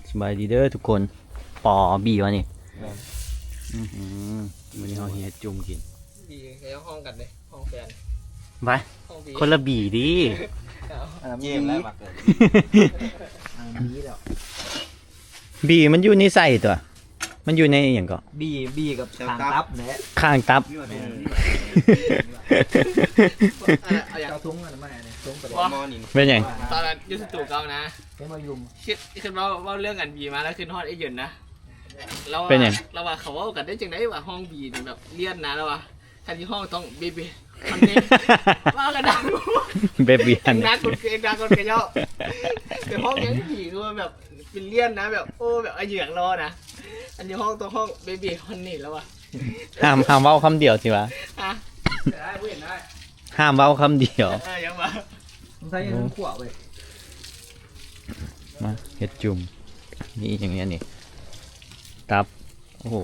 สบายดีเด้อทุกคนปอบีวะนี่วันนี้เราเฮียจุ่มกินบีแล้วห้องกันเลยห้องแฟนไปคนละบีดิเยี่ยมแล้วมาเกิดบีมันอยู่ในใส่ตัวมันอยู่ในอย่างก็บีกับข้างตับเนี่ยข้างตับเอาอย่างซุ้งอะไรมาเนี่ยซุ้งประเด็นเป็นยังตอนนั้นยูสตูเก่านะเป็นมายุมคิดว่าเรื่องกันบีมาแล้วขึ้นฮอดไอ้ยืนนะเป็นยังเราว่าเขาว่ากันได้จังได้ว่าห้องบีแบบเลี่ยนนะแล้วว่าทันที่ห้องต้องบีมันเนี่ยว่ากันดังเบบีอันนั้นคนเกย์ดังคนเกย์เยอะแต่ห้องนี้บีคือแบบเป็นเลี่ยนนะแบบโอ้แบบไอ้เหยือกรอนะอันนี้ห้องตัวห้องเบบีฮันนี่แล้วว่ะห้ามเว้าคำเดียวสิวะได้เห็นได้ห้ามเว้าคำเดียวยังวะใช้ยังขวบเลยมาเห็ดจุ่มนี่อย่างเงี้ยนี่ตับโอ้โห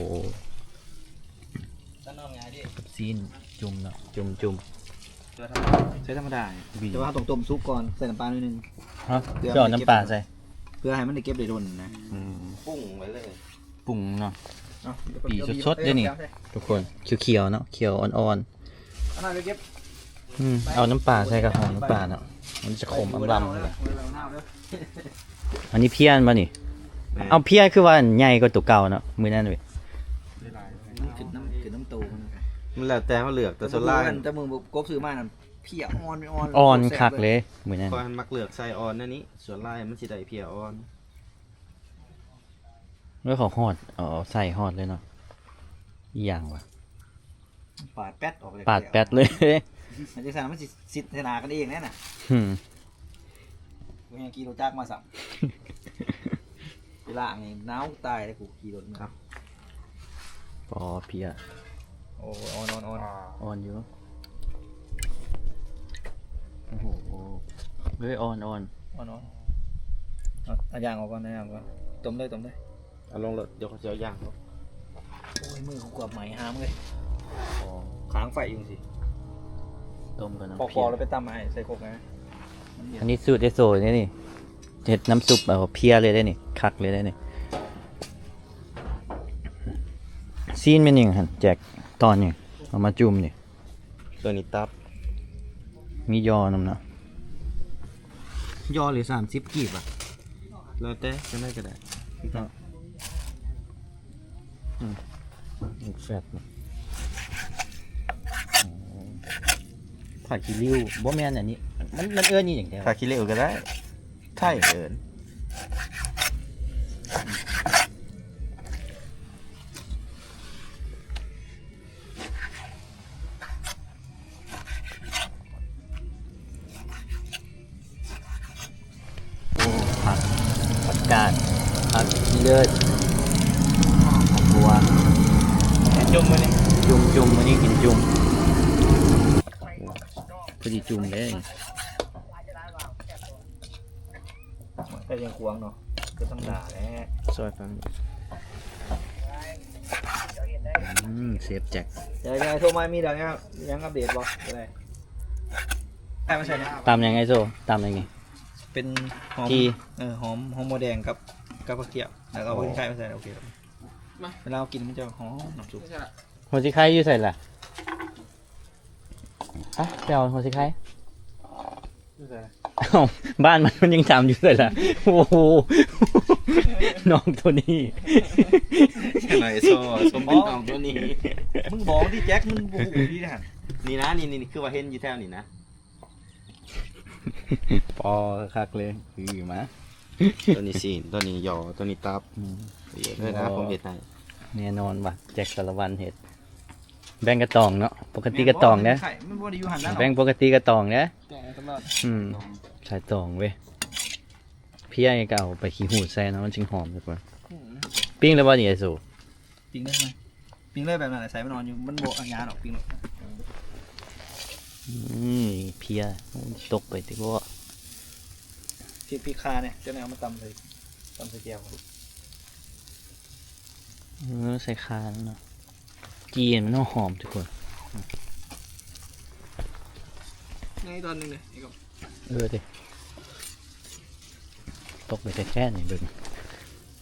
กับซีนจุ่มเนาะจุ่มใช้ธรรมดาแต่ว่าต้มซุปก่อนใส่น้ำปลาหน่อยนึงฮะเจาะน้ำปลาใส่เพื่อให้มันได้เก็บได้โดนนะปรุงไว้เลยปรุงเนาะปีสดๆด้วยนี่ทุกคนเขียวๆเนาะเขียวอ่อนๆเอาน้ำปลาใส่กับหอมน้ำปลาเนาะมันจะขมอำเลยอันนี้เพี้ยนป่ะนี่เอาเพี้ยนคือว่าใหญ่กว่าตัวเก่าเนาะมือนั่นเลยขึ้นน้ำโตมันแล้วแต่เขาเลือกแต่ส่วนล่างแต่มึงกบซื้อมานั่นเพี้ยอ่อนคักเลยมือนั่นพอมันมักเลือกใส่อ่อนนั่นนี้ส่วนล่างมันสิได้เพี้ยอ่อนแล้วเขาฮอดใส่ฮอดเลยเนาะอย่างวะปาดแป๊ดออกปาดแป๊ดเลยมันจะสั่งมันสิทนากันเองแน่น่ะกูยังกีโรจักมาสั่งเวลาไงน้าวตายเลยกูกีโรครับปอเพียโอ้อ่อนอยู่โอ้โหเฮ้ยอ่อนเอาย่างออกก่อนต้มได้เอาลงเลยเดี๋ยวเขาจะย่างเขาโอ้ยมือกูกวาดไหมห้ามเลยค้างไฟอยู่สิต้มกันนะพอแล้วไปตำไม้ใส่โคกนะอันนี้สูตรเอโซนี่เห็ดน้ำซุปเพียเลยได้นี่คักเลยได้นี่ซีนเป็นยังหันแจกตอนยังเอามาจุ่มนี่ตัวนี้ตับมียอนำเนาะยอหรือ30กีบอ่ะแล้วแต่จะได้ก็ได้แฟตผัดขี้ริ้วบ่แม่นอันนี้มันเอื้อนี่อย่างเดียวผัดขี้ริ้วก็ได้ไข่เอิญผักกาดผักเลือดผักบัวจุ่มมาเนี่ยจุ่มวันนี้กินจุ่มพอดีจุ่มเลยแต่ยังควงเนาะก็ต้องด่าแหละซอยฟังเซฟแจ็คเดี๋ยวโทรมามีเดี๋ยวยังอัปเดตบอกอะไรไม่ใช่เนี่ยตามยังไงโซ่ตามยังไงเป็นหอมหอมโมแดงกับกระเทียมแล้วก็พริกไทยไม่ใส่โอเคเวลากินมันจะหอมน้ำซุปหัวชิไข่อยู่ใส่ละเดี๋ยวหัวชิไข่บ้านมันยังจำอยู่เลยล่ะโอ้โหน้องตัวนี้ไหนโซ่เป็นน้องตัวนี้มึงบอกดิแจ็คมึงบู๊ดินะนี่นะนี่คือว่าเห็นอยู่แถวนี่นะปอคักเลยคือมาตัวนี้ซีนตัวนี้ยอตัวนี้ตับเยอะเลยนะผมเห็ดให้แน่นอนว่ะแจกสารวันเห็ดแบ่งกระตองเนาะปกติกระตองเนี่ยแบ่งปกติกระตองเนี่ยใส่ตองเว้ยพี่ไอ้เก่าไปขี้หูแซ่เนาะมันจึงหอมดีกว่าปิ้งแล้วว่าอย่างไรสูปิ้งได้ไหมปิ้งได้แบบไหนใส่มันนอนอยู่มันโบกงานออกปิ้งเพียตกไปที่ว่าพี่คาเนี่ยจะเอามาตำใส่แก้วใส่คาเนาะจีนมันหอมทุกคนในตอนนึงเลยดิตกไปแค่ไหนเบิ่ง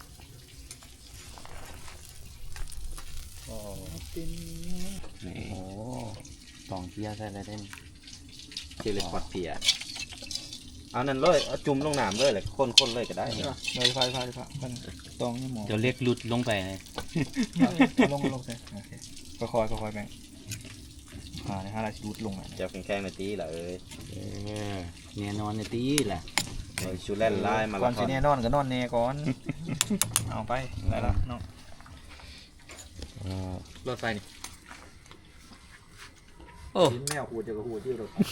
นี่โอ้ตองเพียใส่อะไรได้นี่เจลิคอดเพียเอานั่นเลยเอาจุ่มลงน้ำเลยแหละคนๆเลยก็ได้เลยไฟมันตองนี่หมอเดี๋ยวเรียกหลุดลงไปเลยลงใส่โอเคค่อยๆแบ่งเนี่ย5 ลายชุดลงอ่ะจะแข็งๆนาทีละแน่นอนในตีแหละเลยชูแล่นไล่มาก่อละนคสิรแน่นอนก็นอนแน่ก่อนเอาไปได้แล้วเนาะรถไฟนี่ชิ้นแมวหูจะกับหูที่รถ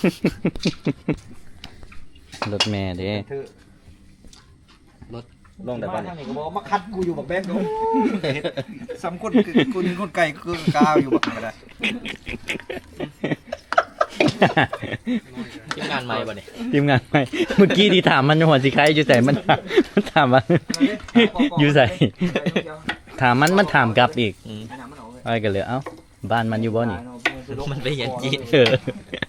รถแม่เด้ลงแต่บ้านนี่ก็บอกมาคัดกูอยู่บักแบงค์ซ้ำคนกูนี่คนไก่กูกาวอยู่บักก็ได้ทีมงานใหม่ป่ะเนี่ยทีมงานใหม่เมื่อกี้ที่ถามมันหัวสิใครอยู่ใส่มันถามว่าอยู่ใส่ถามมันถามกลับอีกอะไรกันเลยเอ้าบ้านมันอยู่บ่นี่มันไปเห็นจีนเออ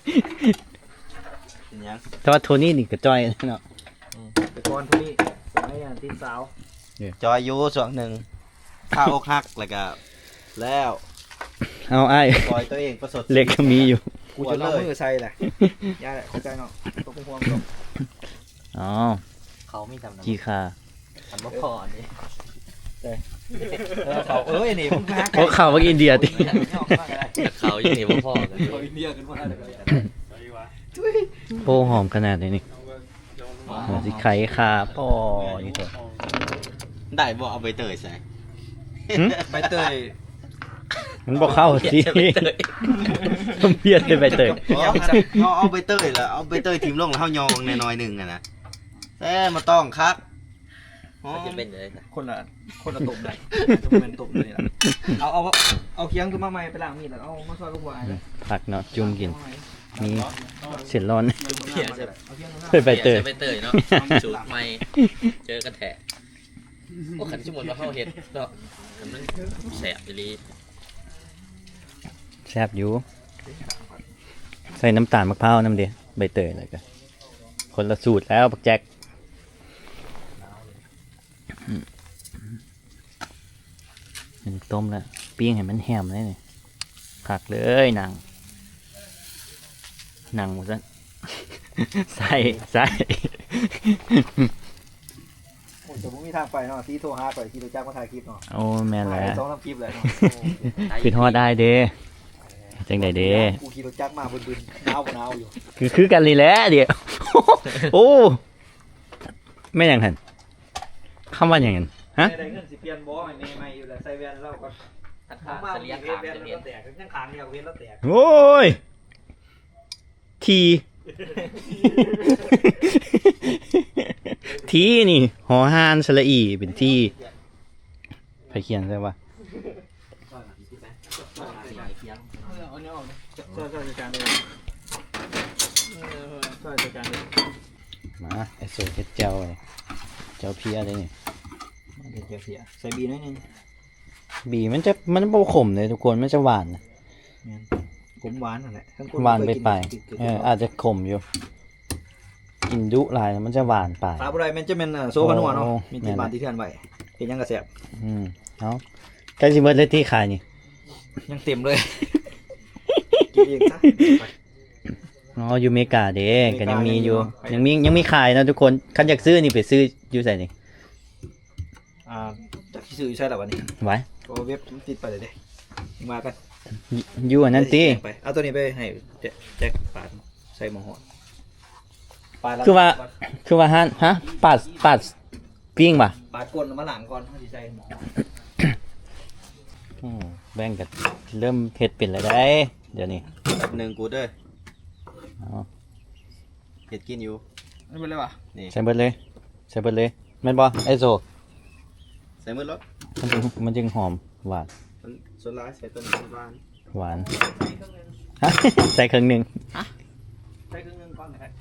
แต่ว่าโทนี่นี่ก็จ้อยเนาะแต่ก่อนทุกนี้ไอ้ที่สาวจอยอยู่ส่วนหนึ่งข้าอกหักแล้วก็แล้วเอาไอ้ปล่อยตัวเองประสบเล็กก็มีอยู่กูจะเอามือใส่แหละยาแหละเข้าใจเนาะตัวพวงอ๋อเขาไม่ทำนะจีคาทำบ่พอนี่เขานี่มึงหาเพราะข่าวว่าอินเดียติเขาอยู่นี่บ่พอกันอินเดียกันมาเลยโอ้หอมขนาดนี้นี่หัวสิไข่คาพ่อนี่เถอะได้บ่เอาใบเตยใส่ใบเตยมันบอกเข้าสิต้องเพี้ยนเลยไปเตยเอาใบเตยแล้วเอาใบเตยทิมลงแล้วเฮายองหน่อยๆนึงนะแต่มาต้องคักมันจะเป็นยังไงคนละตุ่มได้ตุ่มเป็นตุ่มเลยเอาเคียงขึ้นมาใหม่ไปล้างมีดแล้วเอามาซอยลูกหัวผักเนาะจุ่มกินมีเสร็จร้อนเพี้ยนใช่เฮ้ยใบเตยใบเตยเนาะสูตรใหม่เจอกันแท้โอ้ขันสมมุติว่าเฮาเฮ็ดเนาะมันแสบอีหลีแซ่บอยู่ใส่น้ำตาลมะพร้าวน้ำเดียวใบเตยอะไรกันคนละสูตรแล้วปักแจ็คเป็นต้มแล้วปิ้งให้มันแฮมเลยนี่ผักเลยหนังหมดซะ ใส่โอ้ยจะไม่มีทางไปเนาะที่โทรหาไปที่ตัวจ้างมาถ่ายคลิปเนาะโอ้แม่นแล้ว 2 3คลิปเลยเนาะขึ้นฮอดได้เด้จังไดเด้กูขี่รถจักรมาบึนๆหนาวอยู่คือกันเลยแหละเดี๋ยว โอ้แม่นยังหันคำว่าอย่างนั้นฮะได้เงินสิเปลี่ยนบ่ให้ใหม่อยู่แล้วใส่แว่นแล้วก็อัตราเฉลี่ยแขามว่นจะแล้เรียนวแตกยังขางเดียวเว้นแล้วแตกโอ้ย ทีทีนี่หอหานสระอีเป็นที่ไปเขียนใช่ปะเอาเนี่ยออกช่วยจัดการเลยช่วยจัดการเลยมาไอโซเฮ็ดเจ้าเลยเจ้าเพียเลยนี่เดี๋ยวเสียใส่บีน้อยนึงบีมันบ่ขมเลยทุกคนมันจะหวานนะผมหวานนั่นแหละหวานไปอาจจะขมอยู่ กินดุหลายมันจะหวานไปปลาบุไรมันจะเป็นโซฟานัวเนาะโอ้มีที่บ้านที่เทือนไว้เป็นยังกระแสบเอาใกล้สิเบิดเลยที่ขายนี่ยังเต็มเลยกินเองซะอ๋ออยู่อเมริกาเด้ก็ยังมีอยู่อเมริกายังมีขายนะทุกคนคันอยากซื้อนี่ไปซื้ออยู่ใส่นี่จากที่ซื้อใช่หรอวันนี้ไว้ก็เว็บติดไปเลยเด้มากันอยู่อันนั้นติไปเอาตัวนี้ไปให้แจ็คปาดใส่หม้อหอดปาดแล้วคือว่าฮะปาดปิ้งป่ะปาดก้นมาหลังก่อนเขาสิใส่หม้อหอดแบ่งกันเริ่มเฮ็ดเป็นแล้วได้ เดี๋ยวนี้แบบหนึ่งกูเด้อเอาเห็ดกินอยู่ไม่เป็นไรวะใส่เบิดเลยแม่นบ่ไอโซใส่มือรถมันจึงหอมหวานมันส่วนร้ายใส่ต้นบ้านหวานฮะ ใส่ครึ่งหนึงใส่ครึ่งนึงก่อนนะครับ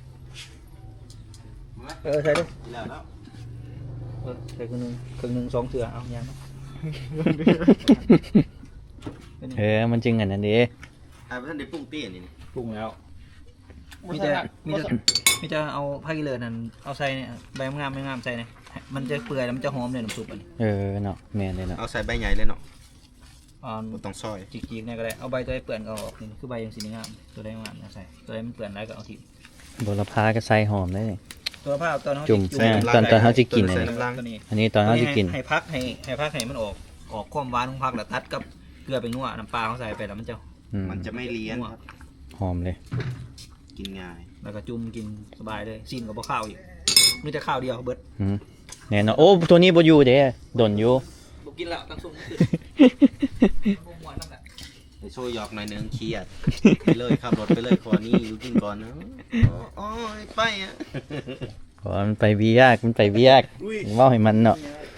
ใส่ด้วยแล้วแล้วใส่ครึ่งนึง2เถื่อเอายังมันจึงอันนั้นเด้อ่าท่านได้ปรุงเตี้ยนี่ปรุงแล้วมีจะเอาผ้ากิเลนนั่นเอาใส่เนี่ยใบงามไม่งามใส่เนี่ยมันจะเปื่อยแล้วมันจะหอมเลยน้ำซุปอันนี้เนาะแม่นเลยเนาะเอาใส่ใบใหญ่เลยเนาะบ่ต้องซอยจิกๆเนี่ยก็ได้เอาใบตัวได้เปื่อนก็ออกนี่คือใบยังสีงามตัวได้งามนะใส่ตัวได้มันเปื่อนได้ก็เอาทิ้งบัวละพาก็ใส่หอมได้นี่ตัวผ้าตอนเขาจุ่ม ตอนเขาจะกินใส่เนี่ยน้ำลังตัวนี้อันนี้ตอนเขาจะกินให้พักให้มันออกความหวานของพักแล้วตัดกับเกลือไปนัวน้ำปลาเขาใส่ไปแล้วมันจะมันจะไม่เลี้ยนครับหอมเลยกินง่ายแล้วก็จุ่มกินสบายเลยซีนกับข้าวอีกมีแต่ข้าวเดียวเบิดอืมแน่นอนโอ้ตัวนี้บ่อยู่เด้ดนอยู่บุกินแล้วตั้งซุ้มขึ้นบุ้งหวานนั่นแหละไปโชว์หยอกหน่อยนึงเครียดไปเลยขับรถไปเลยขอนี่อยู่กินก่อนนะอ๋อไปอ่ะเพราะมันไปเวียกเว่าให้มันเนาะ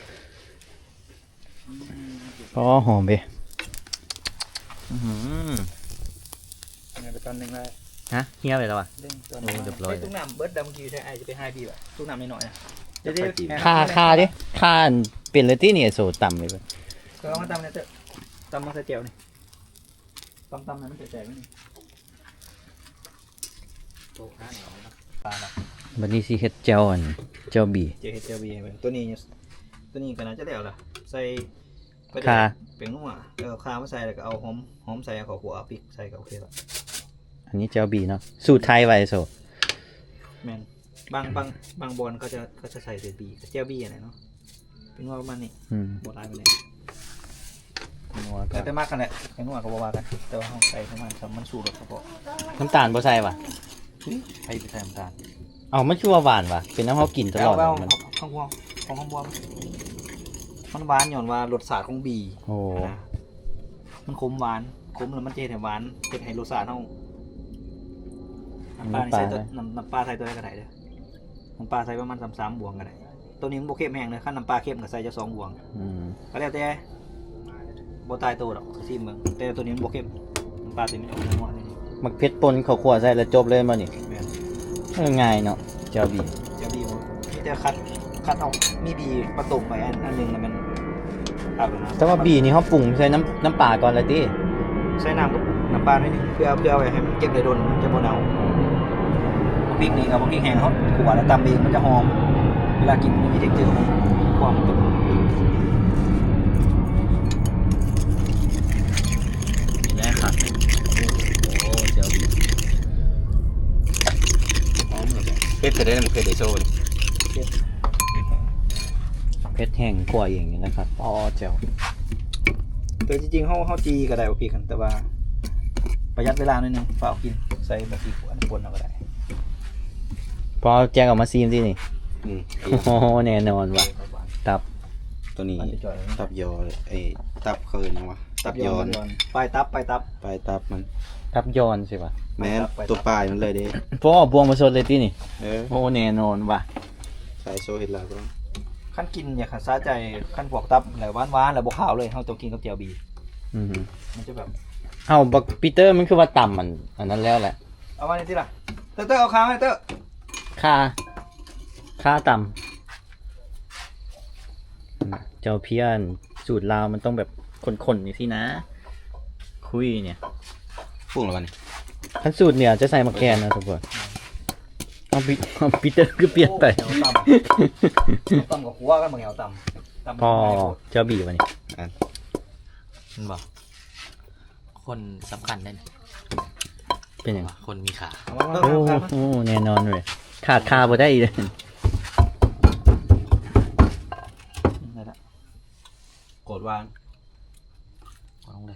ก็หอมไปอื้อหือเนี่ยไปตอนหนึ่งเลยฮะเฮียไปแล้วอ่ะเด้งตัวโอ้เรียบร้อยตุ้งน้ำเบิดดำเมื่อกี้ใช่ไอจะไปให้พี่แบบตุ้งน้ำน้อยๆนะเดี๋ยวค่าดิค่าเป็นเลยที่นี่โซต่ำเลยเว้ยก็เอามาตำเนี่ยเถอะตำมาใส่เจียวนี่ตำๆนะมันแตกๆนี่โต๊ะข้าวเหนียวนะปลาละบัดนี้สิเฮ็ดเจ้าอันเจ้าบีเจเฮดเจียวบีไปตัวนี้ก็น่าจะแล้วล่ะใส่ก็จะค่าเป็นนัวข้าวมาใส่แล้วก็เอาหอมใส่ข้าวขัวเอาพริกใส่ก็โอเคละอันนี้เจ้าบีเนาะสูตรไทยไว้โซแมนบางบอลก็จะใส่เศษบีกับเจียวบีอะไรเนาะเป็นว่าประมาณนี้อืมบดลายไปเลยนัวก็แต่มากกันแหละเป็นนัวก็บ่ว่ากันแต่ว่าห้องใส่ประมาณสามมันสูตรเฉพาะน้ำตาลบ่ใส่ว่ะใครไปใส่น้ำตาลเอามันชื่อว่าหวานว่ะเป็นน้ำเฮากินตลอดเอามันข้างบวงของข้างบวงมันหวานหย่อนว่ารสชาติของบีโอ้นะมันขมหวานขมแล้วมันเจ็ดให้หวานเจ็ดให้รสชาติเฮาน้ำปลานี่ใส่ตัวน้ำปลาใส่ตัวได้ก็ได้เด้อน้ำปลาใส่ประมาณ3บวงก็ได้ตัวนี้มันบ่เข้มแห้งเลยขั้นน้ำปลาเข้มก็ใส่จะ2บวงอืมก็แล้วแต่บ่ตายตัวหรอกซิมเบิ่งแต่ตัวนี้มันบ่เข้มน้ำปลาตัวนี้มันออกนัวๆนี่มักเผ็ดป่นข้าวคั่วใส่แล้วจบเลยมานี่แม่นง่ายเนาะเจ้าบีเดี๋ยวบีมีแต่คัดเอามีบีประตบไปอันหนึงแล้วมันเอาแล้วนะแต่ว่าบีนี่เฮาปรุงใส่น้ำปลาก่อนเลยติใส่น้ำกับน้ำปลาหน่อยหนึงเพื่อเอาไว้ให้มันเก็บได้โดนมันจะบ่เน่าพริกนี่เอาพริกแห้งเขาขัวแล้วตำเองมันจะหอมเวลากินมันมีเท็กเจอร์ของความเป็นนี่แหละครับโอ้เจ้าบีหอมเลยเฮ็ดจะได้มันเคยได้โชว์เผ็ดแห้งกว่าอย่างนี้นะครับอ๋อเจ้าแต่จริงๆเขาจีก็ได้ว่าพริกกันแต่ว่าประหยัดเวลาหน่อยหนึงฝากกินใส่แบบพริกอันปนเอาก็ได้พอแจกออกมาซีมที่นี่อืมโอ้โหแน่นอนว่ะตับตัวนี้มันจะจ่อยตับยอไอ้ตับเคินยังวะตับยอนปลายตับปลายตับมันตับยอนใช่ป่ะแม้นตัวปลายมันเลยเด้พอบวงมาสดเลยที่นี่เออโอ้แน่นอนว่ะใส่โชว์เห็ดลาวก็ต้องขั้นกินอย่าขาดซาใจขั้นพวกตับแล้วหวานๆแล้วบวขาวเลยเขาต้องกินกับเจียวบีอือหือมันจะแบบเอาบักปีเตอร์มันคือว่าต่ำมันอันนั้นแล้วแหละเอามาในที่ล่ะเต้อเอาค้างให้เต้อค่าต่ำเจ้าเพี้ยนสูตรลาวมันต้องแบบคนๆนี่สินะ คุยเนี่ยพุ่งแล้ววันนี้ขั้นสูตรเนี่ยจะใส่มะแกนนะทุกคนเอาปีเตอร์ก็เปลี่ยนไปเหนียวต่ำกับหัวกันบางเหนียวต่ำพอเจ้าบีวันนี้มันบอกคนสำคัญได้นะเป็นยังไงว่าคนมีขาโอ้โหแน่นอนเลยขาดคาบ่ได้อีกเลยได้ละโกรธวางเอาลงเลย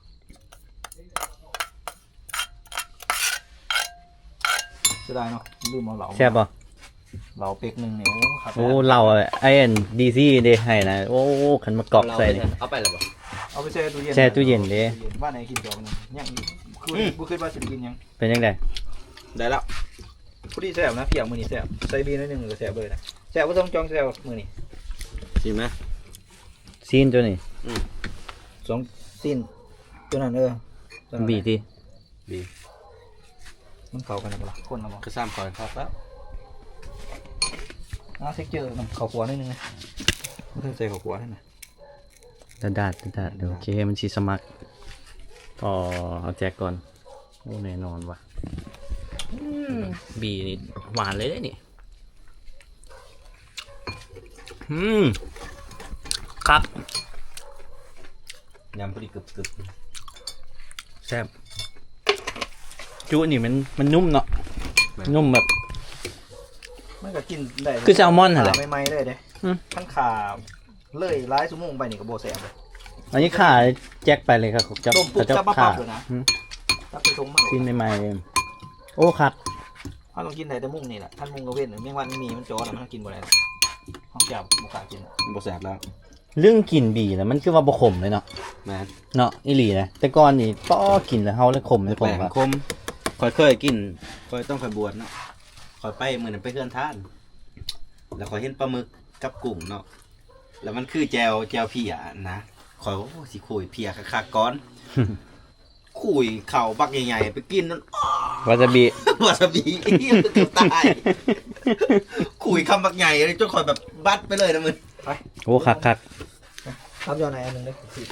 เสียดายเนาะลืมเอาเหลาแซ่บป่ะเหลาเป็กหนึ่งเนี่ยครับโอ้เราไอ้ดีซี่เด้ให้นะโอ้ขันมากรอกใส่นี่เอาไปเลยบ่เอาไปแช่ตู้เย็นแช่ตู้เย็นเด้บ้านไหนกินจอกนึงยังบุเคยว่าสิกินยังเป็นยังไงได้แล้วพอดีแซ่บนะเพียงมือนี้แซ่บใส่บีนิดนึงก็แซ่บเลยนะแซ่บก็ต้องจองแซ่บมือนี้ชิมไหมซีนตัวนี้ 2สิ้นตัวนั้นตัวนั้นบีที่บีมันเข้ากันนะบ่ล่ะคนละบ่ก็ซ้ำก่อนครับแล้วเท็กเจอร์มันเข้าขัวนิดนึงนะมันใส่เข้าขัวให้นะดาดเดี๋ยวโอเคมันชีสมัครพอเอาแจกก่อนโอ้แน่นอนว่ะบีนี่หวานเลยนี่ครับยำพอดีกึบแซ่บจุนี่มันนุ่มเนาะนุ่มแบบมันก็กินได้คือแซลมอนเหรอใหม่ๆเลยเด้อืมขั้นขาเลยหลายชั่วโมงไปนี่ก็บ่แซ่บเลยอันนี้ข่าแจ็คไปเลยครับจับต้มปุ๊บจับจับมาข่าปั๊บเลยนะ ตับไปชงมากินใหม่ๆโอ้ครับเขาต้องกินได้แต่มุ้งนี่แหละท่านมุ้งกระเว้นเมี่ยงวันมีมันจอแล้วมันกินบ่ได้ห้องจับบ่กล้ากินๆบ่แสบแล้วเรื่องกินบีนะมันคือว่าบ่ขมเลยเนาะแม่นเนาะอีหลีนะแต่ก่อนนี่ป้อกินแล้วเฮาเลยขมเลยผมแปลว่ากคมค่อยเคยกินค่อยต้องค่อยบวชเนาะค่อยไปมื้อนั้นไปเฮือนท่าน แล้วค่อยเห็นปลาหมึกกับกุ้งเนาะแล้วมันคือแจวเพียนะค่อยว่าโอ้สิคุยเพียคักๆก่อนคุยเข่าบักใหญ่ๆไปกินนั่นวาซาบิวาซาบิเกือบตายคุยคำบักใหญ่เลยจนค่อยแบบบัดไปเลยนะมึงโอ้คักตับยอไหนอันหนึงเลย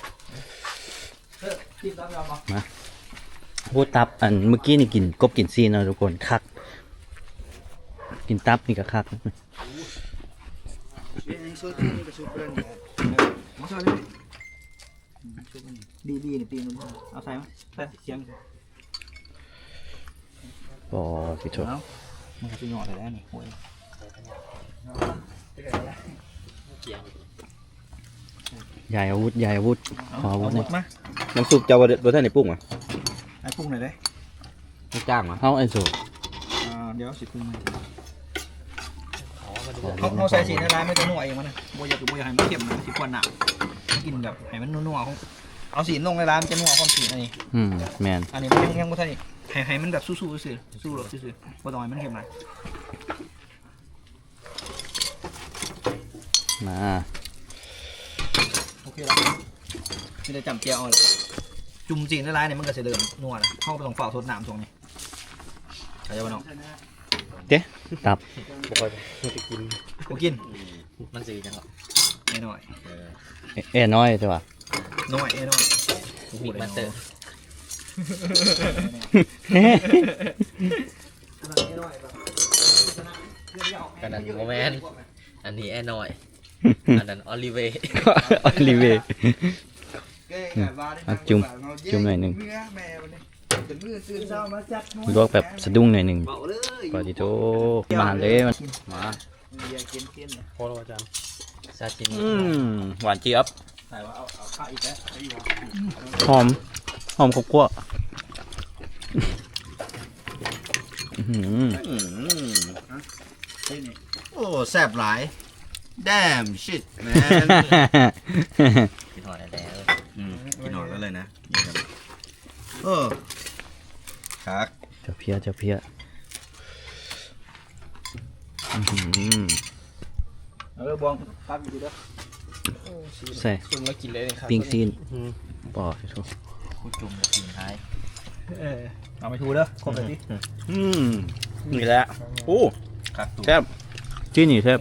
กินตับยอมาๆพูดตับอันเมื่อกี้นี่กินกบกินซีนเนาะทุกคนคัก กินตับนี่ก็คักมาช่วยเลยดีนี่ปีนึงเอาใส่มั้ยใส่เสียงอ๋อสิโถเอามันก็จะหยอดเลยแล้วนี่โอ้ยยายอาวุธขออาวุธหน่อยมาน้ำซุปเจ้าบ่ทันได้ปรุงอ่ะไอ้ปรุงหน่อยได้ไม่จ้างอ่ะเอาไอ้สูเดี๋ยวสิปรุงใหม่อ๋อมาดูเขาใส่สีในร้านไม่ต้องนัวเองมันนะโบอยากให้มันเค็มนะสิควันหนักกินแบบให้มันนัวๆเอาสีลงในร้านจะนัวความสีอันนี้แมนอันนี้มันยังไม่ใช่ให้มันแบบสู้ๆซื่อสู้หรอกซื่อๆบ่ต้องให้มันเค็มนะมาโอเคแล้วนี่ได้จำเจียวเอาเลยจุ่มจีนในร้านเนี่ยมันก็จะเริ่มนัวนะเข้าไปตรงฝ่าสดน้ำตรงนี้ใช่ไหมน้องตับกูกินมันสีจังหรอน้อยเอ้น้อยใช่ป่ะน้อยน้อยบิ๊กมาสเตอร์อันนั้นโมแมนอันนี้แอร์น้อยอันนั้นออลิเวออลิเวจุ่มหน่อยหนึ่งลวกแบบสะดุ้งหน่อยหนึ่งปาจิโตมาเลยมาโคตรอาจารย์ซาชิมิหวานเจี๊ยบใส่ว่าเอาข้าวอีกแล้วหอมครบคั่วโอ้แซ่บหลาย damn shit man กินหอดแล้วกินหอดแล้วเลยนะเออคักเจ้าเพี้ยบวงพักอยู่ดีเด้อใส่จุ่มแล้วกินเลยครับปิ้งซีนปอจิโตกูจุ่มกินท้ายเอาไปทูเด้อครบเลยพี่นี่แหละโอ้คักตัวแซ่บจี้นี่แซ่บ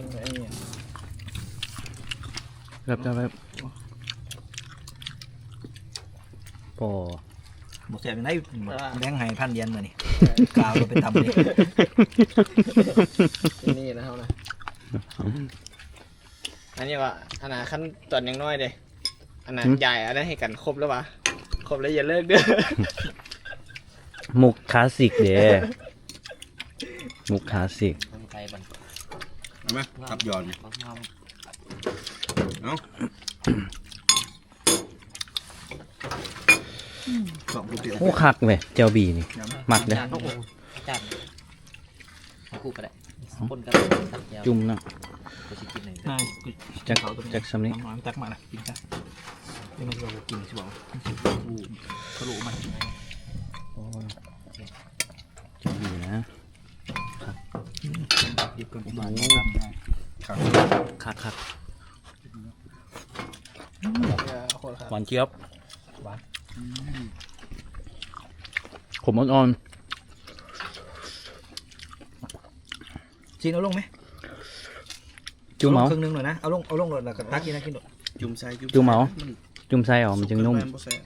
ปอหมดแสบยังไงแบงค์ให้พันเยนมานี่กาวเราไปทำนี่นี่นะเท่านะอันนี้ว่าอันนั้นขั้นตอนยังน้อยเด้อันนั้นใหญ่อันนั้นให้กันครบแล้ววะครบแล้วอย่าเลิกเด้อมุกคลาสสิกเด้มุกคลาสสิกมันไกลบันเอาไหมทับยอนเนาะสองกูเปลี่ยนโอ้คักเว้ยเจ้าบีนี่มักเด้อจานจานให้กูก็ได้คนกันตักยาวจุ่มเนาะกูจะกินหนึ่งง่ายจักสำนี้น้ำตักมาละกินซะนี่มันจะบอกกินใช่ป่าวทะลุมันเจ้าบีนะดิบกันประมาณคักคนครับหวานเจี๊ยบขมอ่อนจีนเอาลงไหมๆจุ่มเมาครึ่งนึงหน่อยนะเอาลงหน่อยแล้วก็ตักกินนะกินหน่อยจุ่มใส่จุ่มเหมา จุ่มใส่ออกมันจึงนุ่มบ่แซ่บ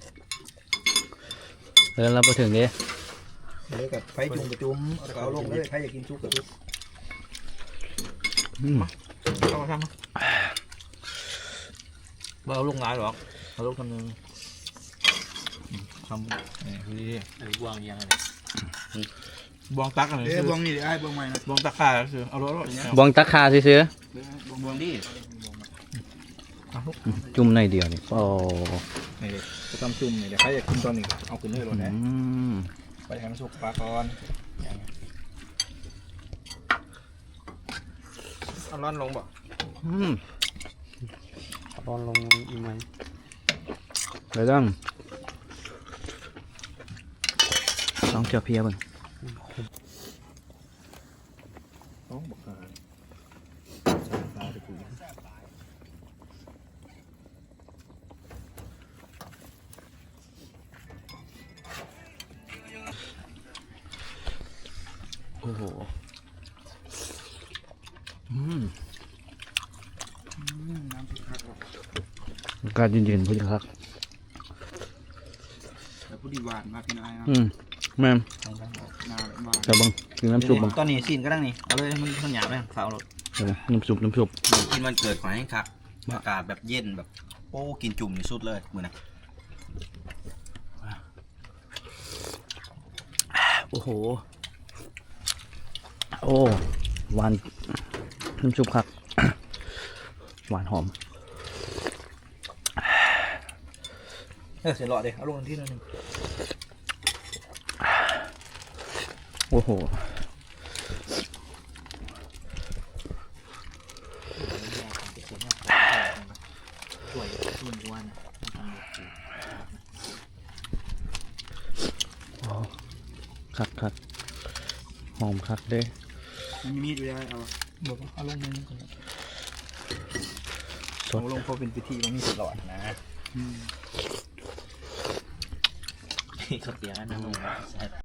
แล้วเราไปถึงเด้เลยกับไฟจุ่มกับจุ่มเอาลงเลยใครอยากกินชุบกับชุบเอามาทำมาเอาลงหลายหรอกเอาลงคำนึงทำนี่คืออันนี้บวงยังไงบวงตักอะไรเอ้ยบวงนี่เดี๋ยวไอ้บวงใหม่นะบวงตักขาคือเอารถเนี่ยบวงตะคาซื้อบวงดิๆจุ่มในอยเดียวนี่โอ้นี่เลยจะทำจุ่มนี่เดี๋ยวใครอยากกินตอนนี้ก็เอาขึ้นเลยรถนะอืมไปให้มันสุกปลาก่อนเอาร้อนลงบ่อืมบอลลงอีกไหมไปต้องลองเจียวเพียเบิ่งต้องบอกกันปลาตะกุยโอ้โหอืมน้ำพริกครับอากาศเย็นๆพุ่นครับแล้วผู้ดีหวานมากพี่นายนะอืมแม่นนาหวานแต่เบิ่งกินน้ำซุปเบิ่งตอนนี้ซีนก็ได้นี่เอาเลยมันหยาบเลยฝาวรถเออน้ำซุปกินวันเกิดของให้คักอากาศแบบเย็นแบบโอ้กินจุ่มนี่สุดเลยมื้อนะโอ้โหโอ้หวานน้ำซุปครับ หวานหอมเสร็จหลอดเลยเอาลงที่นั่นนึงโอ้โหช่วยรุ่นวันคักหอมคักเด้มันมีมีดอยู่ได้เอาบอกว่าเอาลงนึงก่อนสเอาดลงพอเป็นพิธีมันมีเสร็จหลอดนะเขาเตียงอันนั้นลง